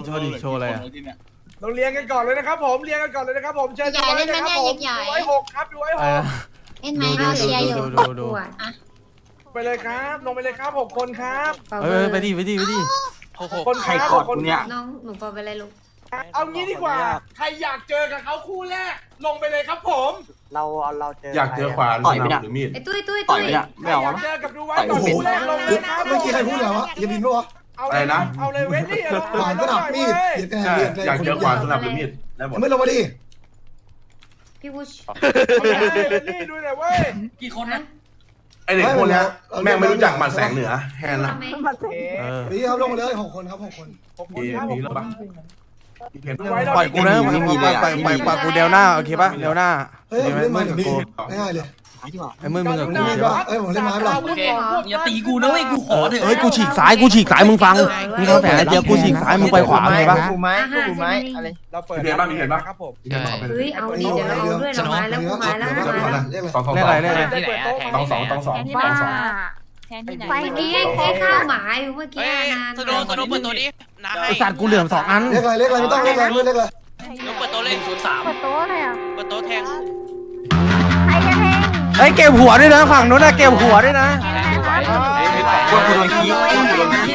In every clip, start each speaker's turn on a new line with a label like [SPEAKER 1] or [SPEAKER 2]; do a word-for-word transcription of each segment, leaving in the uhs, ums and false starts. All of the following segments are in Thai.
[SPEAKER 1] โชว์ดิโชว์อะไรอ่ะ
[SPEAKER 2] เราเรียงกันก่อนเลยนะครับผมเรียงกันก่อนเลยนะครับผมเชิญดูไว้นะครับผมดูไว้หกครับดูไว้หก
[SPEAKER 3] เล่นไหมเราเชียร์อยู่
[SPEAKER 1] ดูดู
[SPEAKER 2] ไปเลยครับลงไปเลยครับหกคนครับ
[SPEAKER 1] เออไปดิไปดิไปดิ
[SPEAKER 2] คนใครกอดคนเนี้ย
[SPEAKER 3] น้องหนูปอไปเลยลูก
[SPEAKER 2] เอางี้ดีกว่าใครอยากเจอกับเขาคู่แรกลงไปเลยครับผม
[SPEAKER 4] เราเราเจอ
[SPEAKER 5] อยากเจอขวานต่อยไปเนี่ยหรือมีด
[SPEAKER 3] ไอ้ตุ้ยตุ้ย
[SPEAKER 4] ต่อ
[SPEAKER 3] ตุ้
[SPEAKER 4] ย
[SPEAKER 3] ย
[SPEAKER 4] ไปเนี่ยไม่เอา
[SPEAKER 2] อยากเจอกับดูไว้ต่อคู่แรกลงเลยครับ
[SPEAKER 6] เมื่อกี้ใครพูดแล้ววะอย่าบินปะวะ
[SPEAKER 2] เอาเลยนะเอาเลยเว้นนี่
[SPEAKER 6] ขวานก็ดับมีดเดี๋ยวแก
[SPEAKER 5] ใช่
[SPEAKER 6] เรียน
[SPEAKER 5] อยากเจอขวานสนับหรือมีดได้หมด
[SPEAKER 6] ไม่ลงมาดิ
[SPEAKER 3] พี่วุช
[SPEAKER 2] นี่ดูหน่อยเว้ย
[SPEAKER 4] กี่คนนะ
[SPEAKER 5] ไอเด็กพวกนี้แม่งไม่รู้จักหมัดแสงเหนือแฮนนะ
[SPEAKER 1] เออ
[SPEAKER 6] นี่ครับลงมาเลยหกคนครับหกคน
[SPEAKER 2] หกคน
[SPEAKER 5] มี
[SPEAKER 2] ครับ
[SPEAKER 5] มีแล้วปะมีเพน
[SPEAKER 1] ปล่อยกูนะปล่อยปล่อยปล่อยปล่อยกูเดวหน้าโอเคป่ะเดวหน้า
[SPEAKER 6] เฮ้ยเล่นไม้กับกูง่ายเลย
[SPEAKER 1] ไอ้มือมึงกับกู
[SPEAKER 6] มีดปะเอ้ยผมเล่นไม้ปะ
[SPEAKER 4] อย่าตีกูนะเว้ยกูขอเถอะ
[SPEAKER 1] เฮ้ยกูฉีกซ้ายกูฉีกซ้ายมึงฟังมึงทำแผนเดียวกูฉีกซ้ายมึงไปขวาไงปะ
[SPEAKER 4] กูไม้กูไม้อะไร
[SPEAKER 2] เราเปิดครับผม
[SPEAKER 3] เฮ้ยเอาดิเดี๋ยวเราเอาด้วยเรามาแล้วกูมาแล้วกูมาแล้ว
[SPEAKER 6] เรียกอะไร
[SPEAKER 5] สองสอง
[SPEAKER 1] เรียก
[SPEAKER 5] ส
[SPEAKER 1] อะ
[SPEAKER 5] อง
[SPEAKER 1] ไรเรียกอะไร
[SPEAKER 5] สองสองสองสอง
[SPEAKER 7] แทนที่ไหนแทนที่ไหน
[SPEAKER 3] เมื่อกี้ไอ้ข้าวหมาอยู่เมื่อกี้นาน
[SPEAKER 8] สโนสโนเปิดตัวนี้นะให้
[SPEAKER 1] ไอสัตว์กูเหลื่อมสองอัน
[SPEAKER 6] เรียกอะไรเรียกอะไรไม่ต้องเรียกอะไรไม่เรียกอะไร
[SPEAKER 8] ยกเปิดตัวเล่นศูนย์สาม
[SPEAKER 7] เปิดโต๊ะเลยอ่ะ
[SPEAKER 8] เปิดตัวแทง
[SPEAKER 7] ใครจะแทง
[SPEAKER 1] ไอ้เก็บหัวด้วยนะฝั่งนู้นนะเก็บหัวด้วยนะ
[SPEAKER 5] พวกกูโดนขี้พวกกูโดนขี้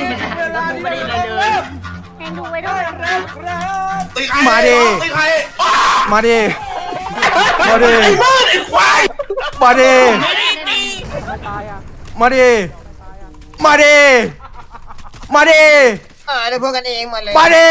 [SPEAKER 7] แทงดูไว้ด้วย
[SPEAKER 5] ตีใคร
[SPEAKER 1] มาดิ
[SPEAKER 5] ตีใคร
[SPEAKER 1] มาดิมาดิ
[SPEAKER 5] ไอ้บ้าไอ้ควาย
[SPEAKER 1] มาดิมาดิมาดิมาดิ
[SPEAKER 4] เออได้พวกกันเองมาเลย
[SPEAKER 1] มาดิ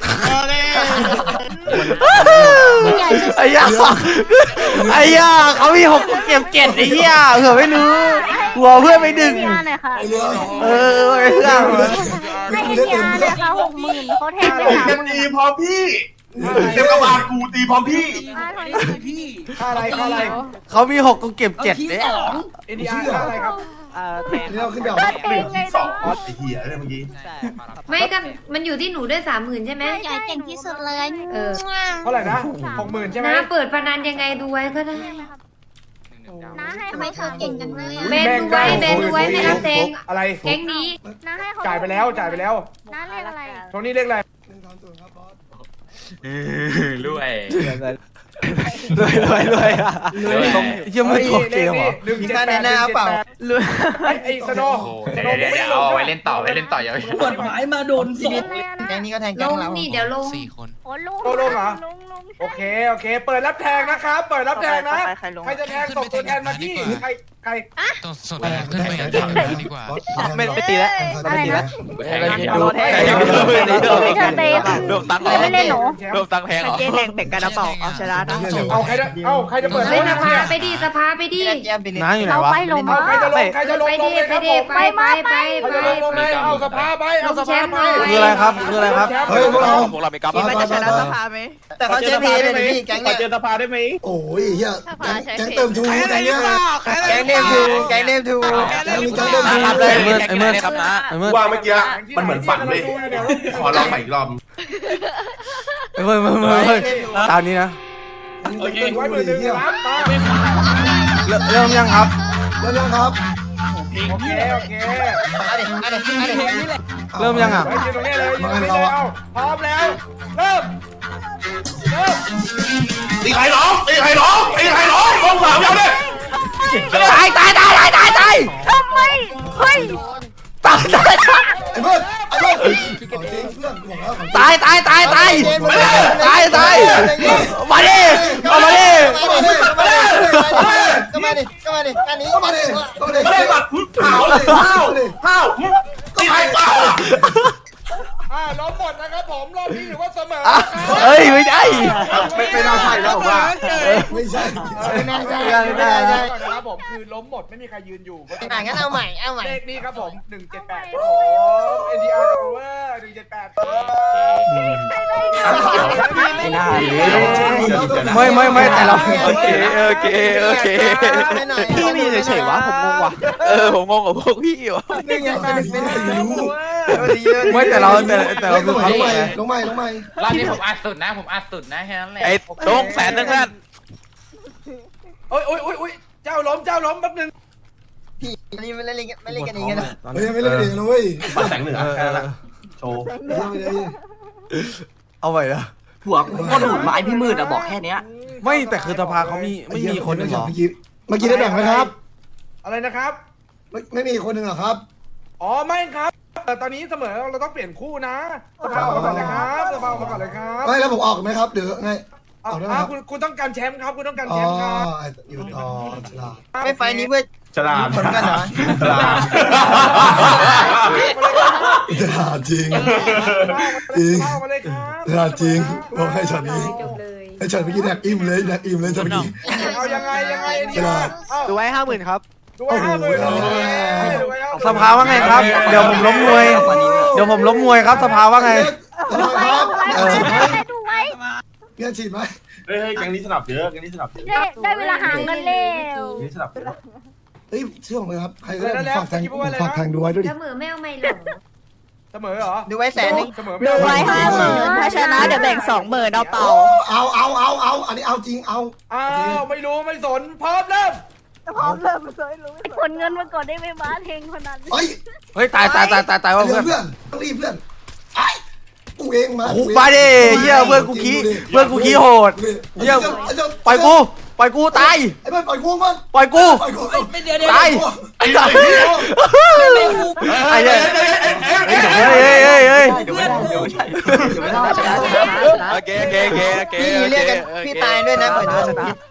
[SPEAKER 1] ไอ้ย่าไอ้ย่าเขามีหกเก็บเจ็ดไอ้เหี้ยเผื่อไม่รู้หัวเพื่อนไม่ดึง
[SPEAKER 7] เฮียหน่อยค่ะ
[SPEAKER 6] ไอ้เรือ
[SPEAKER 1] เออไอ้เพื่อน
[SPEAKER 7] ให้เฮียเลยค่ะหกหมื่นเขาแทงไป
[SPEAKER 5] ผม
[SPEAKER 7] สาม
[SPEAKER 5] จะ
[SPEAKER 7] หมื่น
[SPEAKER 5] ตีพร้อมพี่เต็มกระบาลกูตีพร้อมพี่
[SPEAKER 2] ค่าอะไรค่าอะไร
[SPEAKER 1] เขามีหกกูเก็บเจ็ดเนี่ย
[SPEAKER 2] เอ็นดีอาร์ค่าอะไรครับ
[SPEAKER 6] นี่เราขึ้นแบบ
[SPEAKER 7] ก็เองไง
[SPEAKER 5] สอ
[SPEAKER 7] เนาะ
[SPEAKER 5] งไอ้เหี้ยอะไรเมื่อกี้
[SPEAKER 3] ไม่กันมันอยู่ที่หนูด้วยสามหมื่นใช่ไหม
[SPEAKER 7] ใหญ่เก่งที่สุดเลย
[SPEAKER 3] เออ
[SPEAKER 2] เท่าไหร่นะหกหมื่นใช่ไหม
[SPEAKER 3] น้าเปิดพนันยังไงดูไว้ก็ได้
[SPEAKER 7] น้าให้ทำไมเธอเก่งจังเลยอ่ะ
[SPEAKER 3] เบนดูไว้เบนดูไว้ไม่รับแทง
[SPEAKER 2] อะไร
[SPEAKER 3] แก๊งนี้
[SPEAKER 7] น้าให้เขา
[SPEAKER 2] จ่ายไปแล้วจ่ายไปแล้ว
[SPEAKER 7] น้าเรียกอะไร
[SPEAKER 2] โทนี่เรียกอะไร
[SPEAKER 6] หนึ่งสามศูนย์ครับบอส
[SPEAKER 8] รวย
[SPEAKER 4] รวยรวยรวยอ่ะ
[SPEAKER 1] เยี่ยมไม่จบเกมเหรอ
[SPEAKER 4] มีค่าในหน้าเปล่า
[SPEAKER 2] ไอ้สโน
[SPEAKER 8] เดี๋ยวเดี๋ยวเดี๋ยวเอาไว้เล่นต่อไว้เล่นต่อยาว
[SPEAKER 4] กฎหมายมาโดนสด
[SPEAKER 7] เลยนะ
[SPEAKER 4] แก๊งนี้ก็แทง
[SPEAKER 3] ล
[SPEAKER 4] แก๊ง
[SPEAKER 3] ง
[SPEAKER 4] เรา
[SPEAKER 3] นี่เดี๋ยวลง
[SPEAKER 8] สี่คน
[SPEAKER 7] โอ้ลุง
[SPEAKER 2] โตลงเหรอ
[SPEAKER 7] ลุงลุง
[SPEAKER 2] โอเคโอเค เปิดรับแทงนะครับ เปิดรับแทงนะ ใครจะแทงส่งตัวแทนมาที่ใครใคร
[SPEAKER 9] ต้องสดขึ้นไปกันฝั่งนั้นดีกว่า
[SPEAKER 4] ไม่ไม่ตีแล้ว
[SPEAKER 7] อะไรนะ
[SPEAKER 4] รอแทง
[SPEAKER 7] ไม่เธอเตะ
[SPEAKER 8] รวมตังค์
[SPEAKER 7] ไม่เล่นหนู
[SPEAKER 8] รวมตังค์แพงเหรอ
[SPEAKER 4] เจ๊แทงเป็ดกันนะเปล่าเอาชนะนะ
[SPEAKER 2] เอาใครจะเอาใครจะเปิด
[SPEAKER 3] เฮ้ยสภาไปดิสภาไปดิ
[SPEAKER 4] แก้มไปเลย
[SPEAKER 1] น้าอยู่ไหน
[SPEAKER 7] เรา
[SPEAKER 1] วะ
[SPEAKER 7] ไปลง
[SPEAKER 2] เอาใครจะลงใครจะลง
[SPEAKER 3] ไป
[SPEAKER 2] ล
[SPEAKER 3] ดิ
[SPEAKER 2] งเลย
[SPEAKER 3] ไป
[SPEAKER 2] ครับผ
[SPEAKER 3] ดิ
[SPEAKER 2] ม
[SPEAKER 3] ไปไปไป
[SPEAKER 2] ใคร
[SPEAKER 3] ไป
[SPEAKER 2] จะลงลงเลยเอาสภาไปเอาสภาไป
[SPEAKER 1] คืออะไรครับคืออะไรครับ
[SPEAKER 6] เฮ้ยพวกเรา
[SPEAKER 8] พวกเราไม่กลับ
[SPEAKER 6] คิดว่าจะชนะสภา
[SPEAKER 4] แต่เขาเจ๊พีเลยพี่แก๊ง
[SPEAKER 2] ขอ
[SPEAKER 4] เนี่ย
[SPEAKER 2] เจอสภาได้ไหม
[SPEAKER 6] โอ้ยเฮียแก๊งเติมทูแก๊งเนี้ย
[SPEAKER 4] แก๊งเนมทูแก๊งเนมทู
[SPEAKER 6] แก๊งมีแก๊งเติมทู
[SPEAKER 1] ไอ้เมื่อไอ้เมื่อ
[SPEAKER 8] ครับนะ
[SPEAKER 1] ไอ้เมื่อ
[SPEAKER 5] ว่าเมื่อกี้มันเหมือนฝันเลยขอลองใหม่อีกรอบ
[SPEAKER 1] ไอ้เมื่อเมื่อเมื่อเมื่อตามนี้นะ
[SPEAKER 2] โอเคไว้มือหนึ่งรับมา
[SPEAKER 1] เริ่มเริ่มยังครับ
[SPEAKER 6] เริ่มยังครับ
[SPEAKER 2] โอเคโอเค
[SPEAKER 4] เอาดิเอาดิเอาดิ
[SPEAKER 1] เริ่มยังอ่ะ
[SPEAKER 2] ไว้ยืนตรงนี้เลยยืนตรงนี้เลยเอาพร้อมแล้ว เริ่ม เริ่ม
[SPEAKER 5] ตีใครน้องตีใครน้องตีใครน้องลงสามยาวเลย
[SPEAKER 1] ตายตายตายตายตายตาย
[SPEAKER 7] ทำไมเฮ้ย
[SPEAKER 1] ตายตาย
[SPEAKER 6] ไอ้เพื่อนไอ้เพื่อนของจริงเพื่อนบอกแล้วของจริง
[SPEAKER 1] ตายตายตายตายตายตายมาดิเอามาดิ
[SPEAKER 4] ก็มาดิก็มาดิอันนี้
[SPEAKER 6] ก็มาดิก็มาดิ
[SPEAKER 5] ไม่ได้แบบห้าวเลยห้าวห้าวตีใครเปล่า
[SPEAKER 2] อ่าล้มหมดนะครับผมรอบนี้ถือว่าเสมอ
[SPEAKER 1] เฮ้ยไม่ได้
[SPEAKER 5] ไม่ไม่น่าใช่แล้วผมว่า
[SPEAKER 6] ไม่ใช่
[SPEAKER 4] ไม่น่าใช่
[SPEAKER 2] ไม่
[SPEAKER 4] ไม่
[SPEAKER 2] ได้
[SPEAKER 4] น่า
[SPEAKER 2] ใช่
[SPEAKER 4] ใช่
[SPEAKER 2] นะครับผมคือล้มหมดไม่มีใครยืนอยู่
[SPEAKER 4] อ่ะงั้นเอาใหม่เอาใหม่
[SPEAKER 2] เลขนี้ครับผมหนึ่งเจ็ดแปดครับผม เอ็น ดี อาร์ Over หนึ่งเจ็ดแปด
[SPEAKER 1] ไม่น่าไม่ไม่ไม่แต่เรา
[SPEAKER 8] โอเคโอเคโอเค
[SPEAKER 4] พี่มีเฉยๆวะผมงงว่ะ
[SPEAKER 8] เออผมงงกับพวกพี่วะ
[SPEAKER 4] นี่ไงเป็นเป็นรู้
[SPEAKER 1] ไม่แต่เราแต่แต่เรา
[SPEAKER 6] ล
[SPEAKER 1] คือง
[SPEAKER 6] ให
[SPEAKER 1] เขา
[SPEAKER 6] ม่
[SPEAKER 1] ไง
[SPEAKER 6] ลงใหม่ลงใหม่
[SPEAKER 8] รอบนี้ผมอัดสุดนะผมอัดสุดนะแค่นั้นแหละไอ้ลงแสนนึงเพื่อน
[SPEAKER 2] โอ้ยโอ้ยโอ้ยโอ้ยเจ้าล้มเจ้าล้มแป๊บนึง
[SPEAKER 4] พี่อันนี้ไม่เล่นกันไม่เล่นกันเองนะ
[SPEAKER 6] เฮ้ยไม่เล่นเองนะเว้ย
[SPEAKER 5] ปัดแสงเหนือแค่นั้นโชว์
[SPEAKER 6] ไม่ใช่ไม่ได้
[SPEAKER 1] เอาไปนะ
[SPEAKER 10] หัวกูโคตรโหดร้ายพี่มืดอะบอกแค่เนี้ย
[SPEAKER 1] ไม่แต่คือสภาเขามีไม่มีคนหนึ่งหรอ
[SPEAKER 6] เมื่อกี้เมื่อกี้ได้แบ่งไหมครับ
[SPEAKER 2] อะไรนะครับ
[SPEAKER 6] ไม่ไม่มีคนหนึ่งหรอครับ
[SPEAKER 2] อ๋อไม่ครับแต่ตอนนี้เสมอเราต้องเปลี่ยนคู่นะสภาออกมาก่อนเลยครับสภาออกมาก่อนเลยครับ
[SPEAKER 6] ไม่แล้วผมออกไหมครับหรือไง
[SPEAKER 2] อ้า
[SPEAKER 6] ออกได้ไหม
[SPEAKER 2] ว
[SPEAKER 6] ครับ
[SPEAKER 2] คุณคุณต้องการแชมป์ครับคุณต้องการ
[SPEAKER 6] อ๋
[SPEAKER 2] แช
[SPEAKER 6] อ
[SPEAKER 2] มป์ครับ
[SPEAKER 6] อยู่ต่อฉลาด
[SPEAKER 4] ไม่ไฟนี้เพื่อ
[SPEAKER 5] ฉลาด
[SPEAKER 4] ผลกันเหรอ
[SPEAKER 5] ฉลาด
[SPEAKER 6] ฉลาดจริง จริง
[SPEAKER 2] เข้ามาเลยครับ
[SPEAKER 6] ฉลาดจริงบอกให้ช็อตนี้
[SPEAKER 3] จบเลย
[SPEAKER 6] ไอ้ช็อตเมื่อกี้แดกอิ่มเลยแดกอิ่มเลยช็อตเมื่อกี้
[SPEAKER 2] เอายังไงยังไง
[SPEAKER 6] ฉลาด
[SPEAKER 4] ดูไว้ห้าหมื่นครับ
[SPEAKER 2] ดูไว้ห้าหมื่น
[SPEAKER 6] โอ้โห
[SPEAKER 2] ดูไว้ห้าหมื่น
[SPEAKER 1] สภาว่าไงครับ เดี๋ยวผมล้มมวย เดี๋ยวผมล้มมวยครับสภาว่าไง
[SPEAKER 6] ฉลาดครับเออ
[SPEAKER 7] ดูไว้
[SPEAKER 6] เงี้ยฉีดไหม
[SPEAKER 5] เฮ้ยแกงนี้สนับเยอะแกงนี้สนับเยอะ
[SPEAKER 7] ได้ได้เวลาหาเงินแล้ว
[SPEAKER 5] แกงนี้สนับเยอะ
[SPEAKER 6] เฮ้ยเชื่อผมเลยครับใครก็ได้ฝากแทงฝากแทงดูไว้ด้วยดิ
[SPEAKER 3] เสมอไม่เอาไม่หรอ
[SPEAKER 2] เสมอเหรอ
[SPEAKER 4] ดูไว้แสนนึง
[SPEAKER 2] เสมอ
[SPEAKER 3] ดูไว้
[SPEAKER 2] ห้า
[SPEAKER 3] ห้าหมื่นถ้าชนะเดี๋ยวแบ่งสองหมื่นเอาเปล่า
[SPEAKER 6] เอาเอาเอาเอาอันนี้เอาจริงเอา
[SPEAKER 2] อ้าวไม่รู้ไม่สนพร้อมเริ่ม
[SPEAKER 7] พร้อมเริ่มเลยรู้ผลเงินมาก่อนได้ไหมบ้าเฮงคนนั้น
[SPEAKER 6] เฮ้ย
[SPEAKER 1] เฮ้ยตายตายตายตายตายว่า
[SPEAKER 6] เพื่
[SPEAKER 1] เพื่
[SPEAKER 6] อ
[SPEAKER 1] อน น
[SPEAKER 6] เพื่อนต้องรีบเพื่อนไอ้กูเองมา
[SPEAKER 1] คุกมาดิเฮียเพื่อนกูขี้เพื่อนกูขี้โหดเฮียปล่อยกูปล่อยกูตาย
[SPEAKER 6] ไอ้เพื่อนปล่อยกูมัน
[SPEAKER 1] ปล่อยกู
[SPEAKER 6] ปล่อยกู
[SPEAKER 1] ตายไอ้เหี้ยไอ้เหี้ยเฮ้ยเฮ้ยเฮ้ยเฮ้ย
[SPEAKER 10] เดี๋ยวไม่ได้เดี๋ยวไม่ได้เดี๋ยวไม่ได้ชนะชนะโอเคโอเคโอเคโอเค
[SPEAKER 4] พี่เรียกกันพี่ตายด้วยนะเหมือนโดนพิษ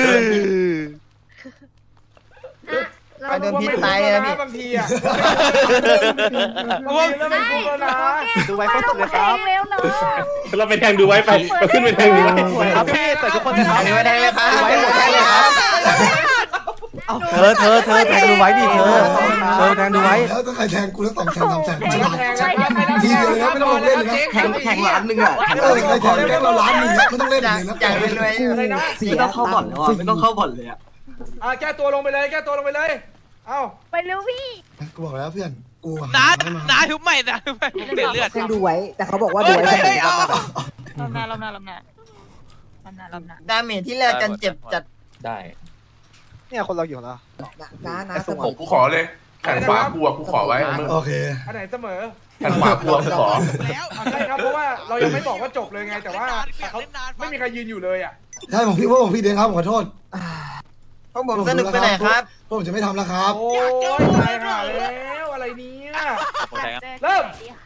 [SPEAKER 2] เรา
[SPEAKER 4] โดนพิษตายเลยนะพี่
[SPEAKER 2] บางทีอ่ะบางทีเราไม่คุ้มแล้วนะ
[SPEAKER 4] ดูไว้ก็สุดเลยครับ
[SPEAKER 7] เร็วเนาะ
[SPEAKER 5] เราไปแทงดูไว้ไปไปขึ้นไปแทงดูไว้
[SPEAKER 4] ครับพี่แต่ทุกคนจะทำดูไว้แทงเลยครับดูไว้หมดแทงเลยครับ
[SPEAKER 1] เธอเธอเธอแทงดูไว้ดิเธอเธอแทงดูไว้
[SPEAKER 6] แล้วก็ใครแทงกูแล้วสองแทงสามแทงฉลาด
[SPEAKER 2] แทงนะครับ
[SPEAKER 6] ทีเดียวเลยนะไม่ต้องลงเล่นเลยนะ
[SPEAKER 10] แข่งแข่งล้านหนึ่งอะ
[SPEAKER 6] เออใครแทงแค่เราล้านหนึ่งไม่ต้องเล่น
[SPEAKER 4] อยาก
[SPEAKER 6] เลยนะ
[SPEAKER 4] อยากเป็นรวย
[SPEAKER 2] อะไรนะ
[SPEAKER 10] ไม่ต้องเข้าบ่อนแล้วอะไม่ต้องเข้าบ่อนเลยอะ
[SPEAKER 2] อ่ะแก้ตัวลงไปเลยแก้ตัวลงไปเลย เอ้า
[SPEAKER 7] ไปเร็วพี่
[SPEAKER 6] กูบอกแล้วเพื่อนกู
[SPEAKER 9] น้าน้าทุบใหม่นะทุบใหม่ผมเปลี่ยนเลือด
[SPEAKER 3] แทงดูไว้ แต่เขาบอกว่าดูไว้เสมอ
[SPEAKER 7] ลำหน้าลำหน้าลำหน้าลำหน้าลำหน้า
[SPEAKER 4] ดาเมจที่แลกกันเจ็บจัด
[SPEAKER 8] ได้
[SPEAKER 4] เนี่ยคนเราอยู่แล้ว
[SPEAKER 3] น้าน้าเสม
[SPEAKER 5] ผ
[SPEAKER 3] อ
[SPEAKER 5] มกูขอเลยแขนขวากูอะกูขอไว้มึง
[SPEAKER 6] โอเค
[SPEAKER 2] อันไหนเสมอ
[SPEAKER 5] แขนขวากูอะกูขอ
[SPEAKER 9] แล้ว
[SPEAKER 2] อ่ะใช่ครับเพราะว่าเรายังไม่บอกว่าจบเลยไงแต่ว่าเขาไม่มีใครยืนอยู่เลยอ่ะ
[SPEAKER 6] ใช่ผมพี่ว่าผมพี่เดงครับผมขอโทษ
[SPEAKER 4] พวกผมสนุกไปไหนครับ
[SPEAKER 6] พวกผมจะไม่ทำแล้วครับ
[SPEAKER 2] โอ้ยตายห่าแล้วอะไรเนี้ยเริ่ม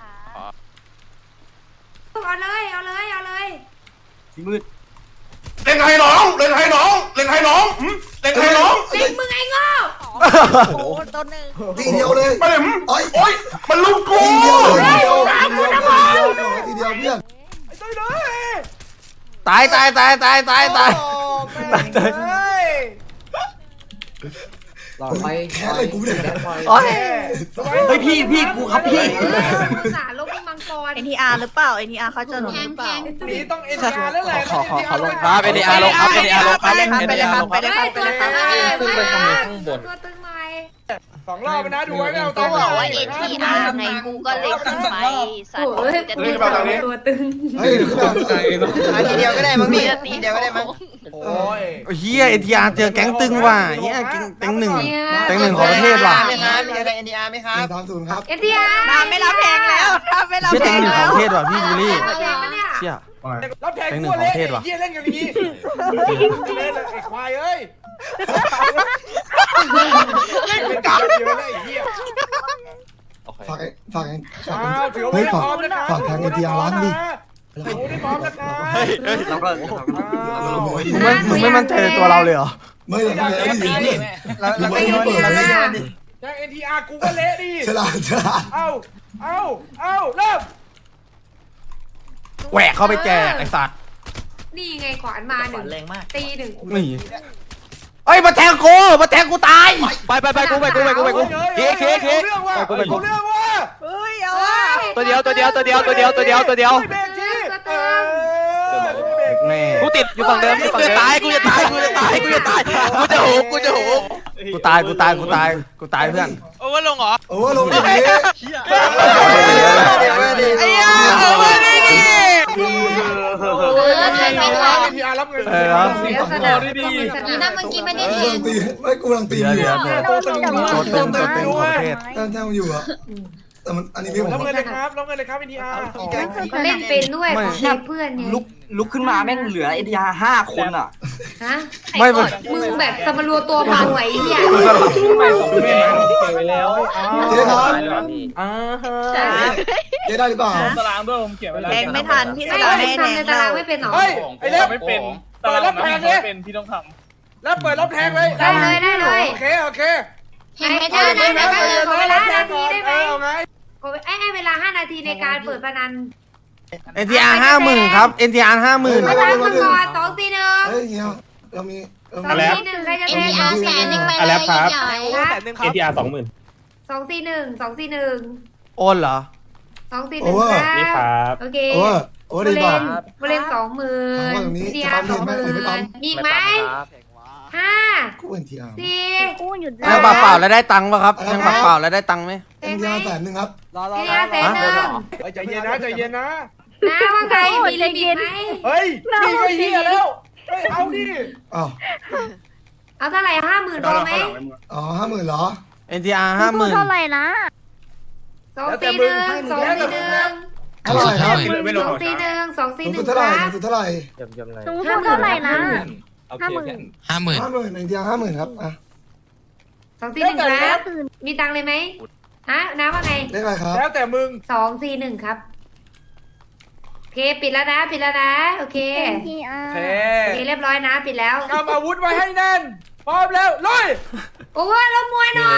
[SPEAKER 3] เอาเลยเอาเลยเอาเลย
[SPEAKER 10] พี่มืด
[SPEAKER 5] เล่นให้น้องเล่นให้น้องเล่นให้น้องหืมเล่นให้น้อง
[SPEAKER 3] เด็กมึงไอ้โง่
[SPEAKER 7] โอ้ต้นหนึ่ง
[SPEAKER 6] ทีเดียวเลย
[SPEAKER 5] มาเลยหืม
[SPEAKER 6] โอ้ย
[SPEAKER 5] โอ๊ยมันลูกกู
[SPEAKER 6] ทีเดียวเลยทีเดียวทีเดียวทีเดียวเพื่อน
[SPEAKER 2] ไอ้ต้อยเลย
[SPEAKER 1] ตายตายตายตายตายตาย
[SPEAKER 2] โอ้แม่งเฮ้ย
[SPEAKER 3] หลอดไป
[SPEAKER 6] แค่อะไรกูเนี่ย
[SPEAKER 1] โอ้ย
[SPEAKER 10] เฮ้ยพี่พี่กูครับพี่
[SPEAKER 3] สารลบมังกร
[SPEAKER 7] เอ็นทีอาร์หรือเปล่าเอ็นทีอาร์เขาจะลงหรือเปล่า
[SPEAKER 2] นี่ต้องเอ็นอาร์แล้วแหละ
[SPEAKER 4] ขอขอขอลง
[SPEAKER 8] ครับ เอ็น ดี อาร์ ลงครับ เอ็น ดี อาร์ ลงครับ
[SPEAKER 3] ไปเลยครับไปเลยครับไปเลยครับ
[SPEAKER 7] ไปเลยครับ
[SPEAKER 3] ตัวตึงหน่อย
[SPEAKER 2] สองรอบนะดูไว้ไม่เอา
[SPEAKER 7] ก็
[SPEAKER 2] ตัว
[SPEAKER 7] บอกว่าเอ็นทีอาร์ไงกูก็เลยขึ้นไปสัตว์จะตี
[SPEAKER 3] ตัวตึง
[SPEAKER 6] เฮ้ยคือแบบ
[SPEAKER 4] เอาทีเดียวก็ได้มั้งพี่ทีเดียวก็ได้มั้ง
[SPEAKER 2] โอ้ย
[SPEAKER 1] เฮียเอ็นทีอาร์เจอแก๊งตึงว่ะเฮียแก๊งแก๊งหนึ่งแก๊งหนึ่งของประเทศว่ะ
[SPEAKER 4] มีครับมีอะไรเอ็นดีอาร์ไหมครับ
[SPEAKER 6] ตามสูตรครับ
[SPEAKER 3] เอ็นทีอาร์
[SPEAKER 7] น้ำไม่รับแพงแล้วน้ำไม่รับ
[SPEAKER 1] เชี่ย
[SPEAKER 7] แพ
[SPEAKER 1] แก๊ง
[SPEAKER 7] ง
[SPEAKER 1] หนึ่งข
[SPEAKER 7] แล้
[SPEAKER 1] อง
[SPEAKER 7] ว
[SPEAKER 1] ประเทศว่ะพี่บูลลี่
[SPEAKER 3] แพงปะเนี่ย
[SPEAKER 1] เชี่ย
[SPEAKER 2] รับแทง
[SPEAKER 1] แก๊งหนึ่
[SPEAKER 2] กู
[SPEAKER 1] งของ
[SPEAKER 2] เละ
[SPEAKER 1] ประเทศว่ะ
[SPEAKER 2] ไอ้เหี้ยเล่นกันอย่างนี้เล่นเลยไอ้ควายเอ้ยเล่นกันเยอะเลยไอ้เหี้ย
[SPEAKER 6] ฝากไอ้ฝากไอ้ฝาก
[SPEAKER 2] อ้าวถือว่า
[SPEAKER 6] เฮ้ย
[SPEAKER 2] ไม่
[SPEAKER 6] ฝาก
[SPEAKER 2] พร้อมนะครับ
[SPEAKER 6] ฝากทางเอ็นทีอาร์ร้านดิ
[SPEAKER 2] ถือว่าไม่พร้อมนะครับ
[SPEAKER 10] เฮ้ยเฮ้ยเราก็เราก็เราก็ลง
[SPEAKER 1] มึงไม่มึงไม่มั่นใจในตัวเราเลยเหรอ
[SPEAKER 6] ไม่เลยไม่เลยไม่เลย
[SPEAKER 4] เราเราก็โยนดิเราก็โยนดิ
[SPEAKER 2] ยังเอ็นทีอาร์กูก็เละดิ
[SPEAKER 6] ฉลาดฉลาด
[SPEAKER 2] เอ้าเอ้าเอ้าเริ่ม
[SPEAKER 1] แหวกเข้าไปแจกไอ้สัตว์
[SPEAKER 3] นี่ไงขวานมาหนึ่ง
[SPEAKER 10] แรงมาก
[SPEAKER 3] ตีหนึ่ง
[SPEAKER 1] นี่เอ้ยมาแทงกูมาแทงกูตาย
[SPEAKER 8] ไปไปไปกูไปกูไปกูไปกูเคเคเค
[SPEAKER 2] เอาเรื่องว่าเอาเรื่องว่า
[SPEAKER 7] เฮ้ยเอาอ่ะ
[SPEAKER 8] ตัวเดียวตัวเดียวตัวเดียวตัวเดียวตัวเดียวตัวเดียว
[SPEAKER 2] เบรกทีเออ
[SPEAKER 1] แม่
[SPEAKER 8] กูติดอยู่ฝั่งเดิมอยู่ฝั่งเดิมตายกูจะตายกูจะตายกูจะตายกูจะหูกูจะหู
[SPEAKER 1] กูตายกูตายกูตายกูตายเพื่อน
[SPEAKER 9] โอเวอร์ลงเหรอ
[SPEAKER 6] โอ้ลงอย่างนี้
[SPEAKER 9] ไอ้ยาโอเวอร์นี่ดิ
[SPEAKER 2] เออใครไม่รับเอ็นทีอาร์รับเงิน
[SPEAKER 1] เออ
[SPEAKER 3] เดี๋ยวสนามดี
[SPEAKER 7] นี่นะเมื่อกี้ไม่ได้
[SPEAKER 6] กำ
[SPEAKER 7] เห็
[SPEAKER 6] ลั
[SPEAKER 7] น
[SPEAKER 6] งตีไม่กูกำลังตี
[SPEAKER 1] เดี๋ยว
[SPEAKER 6] อยู่
[SPEAKER 1] เดี๋ยวเดี๋ยวตัวตึงตัวตึงของประเทศ
[SPEAKER 6] แต้มแต้มอยู่อ่ะแต่มันอันนี้พี่ผม
[SPEAKER 2] รับเงินเลยครับรับเงินเลยครับเอ็นทีอาร์
[SPEAKER 3] ก็เล่นเป็นด้วยเช็คเพื่อนไง
[SPEAKER 10] ลุกลุกขึ้นมาแม่งเหลือเอ็นดีอาร์ห้าคนอ่ะ
[SPEAKER 3] ฮะ
[SPEAKER 1] ไม่มัน
[SPEAKER 3] มึงแบบสมรัวตัวเบาไอ้เนี่ย
[SPEAKER 6] เจ๊ครับ
[SPEAKER 1] อ่าฮะ
[SPEAKER 6] เจ๊ได้หรือเปล่า
[SPEAKER 4] ตารางด้วยผมเขียนไว้แล้ว
[SPEAKER 7] แทงไม่ทันพี่
[SPEAKER 3] ไม่
[SPEAKER 7] สาว
[SPEAKER 3] ทำ
[SPEAKER 7] ไม่แทง
[SPEAKER 3] ในตารางไม่เป็นหรอ
[SPEAKER 2] เฮ้ยไอ้เล็บ
[SPEAKER 4] ไม่เป็นตารางนั้นไม่เป็นพี่ต้องท
[SPEAKER 2] แล้วเปิดรับแทงเลย
[SPEAKER 3] ได้เลยได้เลย
[SPEAKER 2] โอเคโอเค
[SPEAKER 3] ให้ไม่ได้ได้ได้เลยขอเวลาห้านาทีได้ไหม
[SPEAKER 2] เอาไง
[SPEAKER 3] ขอไอ้ให้เวลาห้านาทีในการเปิดพนัน
[SPEAKER 1] เอ็นทีอาร์ห้าหมื่นครับเอ็นทีอาร์ห้าหมื่น
[SPEAKER 3] มาตามมาก่อนสองสี่หนึ่ง
[SPEAKER 6] เฮ้ยเฮียเรามีเรา
[SPEAKER 3] สอง
[SPEAKER 6] มี
[SPEAKER 3] สี่หนึ่งใครจะ
[SPEAKER 7] เอ็
[SPEAKER 3] แท
[SPEAKER 7] น
[SPEAKER 3] ง
[SPEAKER 7] ทีอาร์แสนหนึ่งไปเลยใหญ่
[SPEAKER 3] ครับ
[SPEAKER 4] ำเอ็นดีอาร์สองหมื่น
[SPEAKER 3] สองสี่หนึ่งสองสี่หนึ่ง
[SPEAKER 1] โอนเหรอ
[SPEAKER 3] สองสี่หนึ่งครับโอเค
[SPEAKER 6] โอ้โอ้
[SPEAKER 3] บ
[SPEAKER 6] ดี
[SPEAKER 3] ริ
[SPEAKER 6] บอ
[SPEAKER 3] เว
[SPEAKER 6] ก
[SPEAKER 3] ณบริเวณสองหมื่นดีอาร์สองหมื่นมีอีกไหมห้า
[SPEAKER 6] กูเอ็นทีอาร์
[SPEAKER 3] สี่
[SPEAKER 1] แทงเปล่าเปล่าแล้วได้ตังค์ป่ะครับแทงเปล่าเปล่าแล้วได้ตังค์ไหม
[SPEAKER 3] แท
[SPEAKER 6] เอ็น
[SPEAKER 3] ง
[SPEAKER 6] ที
[SPEAKER 3] ไหม
[SPEAKER 6] อาร์แสนหนึ่งครับ
[SPEAKER 3] ดีอาร์แสนหนึ่ง
[SPEAKER 2] ใจเย็นนะใจเย็นนะ
[SPEAKER 3] นะว่าไงมีลิมิตไหม
[SPEAKER 2] เฮ้ยนี่ก็เฮียแล้วเฮ้ยเอาดิ
[SPEAKER 6] อ้าว
[SPEAKER 3] เอาเท่าไหร่ห้าหมื่นพอไหม
[SPEAKER 6] อ๋อห้าหมื่นเหรอ
[SPEAKER 1] เอ็นทีอาร์ห้าหมื่น
[SPEAKER 3] สองสี่หนึ่งสองสี่หนึ่งสองสี่หนึ่ง
[SPEAKER 6] เท่าไหร่ครับ
[SPEAKER 3] สองสี่หนึ่งสองสี่
[SPEAKER 6] สูง
[SPEAKER 3] หนึ่
[SPEAKER 6] สุ
[SPEAKER 3] ง
[SPEAKER 6] ดเท่าไหร่
[SPEAKER 3] ครับ
[SPEAKER 6] สูงสุดเท่าไหร่
[SPEAKER 3] ห้าหมื่นเท่าไหร่นะ
[SPEAKER 8] ห้าหมื่น
[SPEAKER 6] ห้าหมื่นเอ็นทีอาร์ห้าหมื่นครับอ่ะ
[SPEAKER 3] สองสี่หนึ่งครับมีตังค์เลยไหมฮะน้าว่าไง
[SPEAKER 6] เลขอะไรครับ
[SPEAKER 2] แล้วแต่มึง
[SPEAKER 3] สองสี่หนึ่งครับโอเคปิดแล้วนะปิดแล้วนะโอเค
[SPEAKER 2] โอเค
[SPEAKER 3] โอเคเรียบร้อยนะปิดแล้ว
[SPEAKER 2] กำอาวุธไว้ให้แน่นพร้อมแล้วลุย
[SPEAKER 3] โอ้ยล้มมวยหน่อย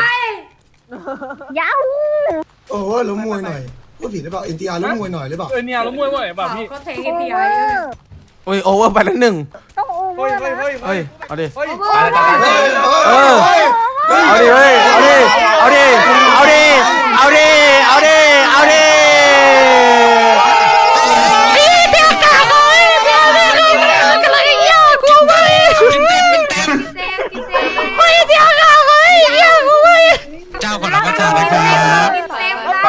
[SPEAKER 6] โอ้โหล้มมวยหน่อยพูดผิดหรือเปล่าเอ็นทีอาร์ล้มมวยหน่อยหรือเปล่า
[SPEAKER 4] เออเนี่ยแล้วมวยว่าไงแบบพี่
[SPEAKER 3] เขาเทคพีไอ
[SPEAKER 1] โอ้ยโอเวอร์ไปแล้วหนึ่ง
[SPEAKER 2] เฮ้ยเฮ้ยเฮ้ย
[SPEAKER 1] เฮ้ยเอาดิ
[SPEAKER 2] เฮ้ย
[SPEAKER 1] เออ เอาดิเฮ้ยเอาดิเอาดิเอาดิเอาดิเอาดิเอาดิพี่เดี๋ยวกลับเลยเดี๋ยวเดี๋ยวเดี๋ยวกำลังยากกูไป
[SPEAKER 3] เซฟพี่เซฟ
[SPEAKER 1] เฮ้ยเดี๋ยวกลับเลยยากกูไป
[SPEAKER 8] เจ้าก่อนเราก็เจ้าเลยครับ
[SPEAKER 3] พี่เซฟได้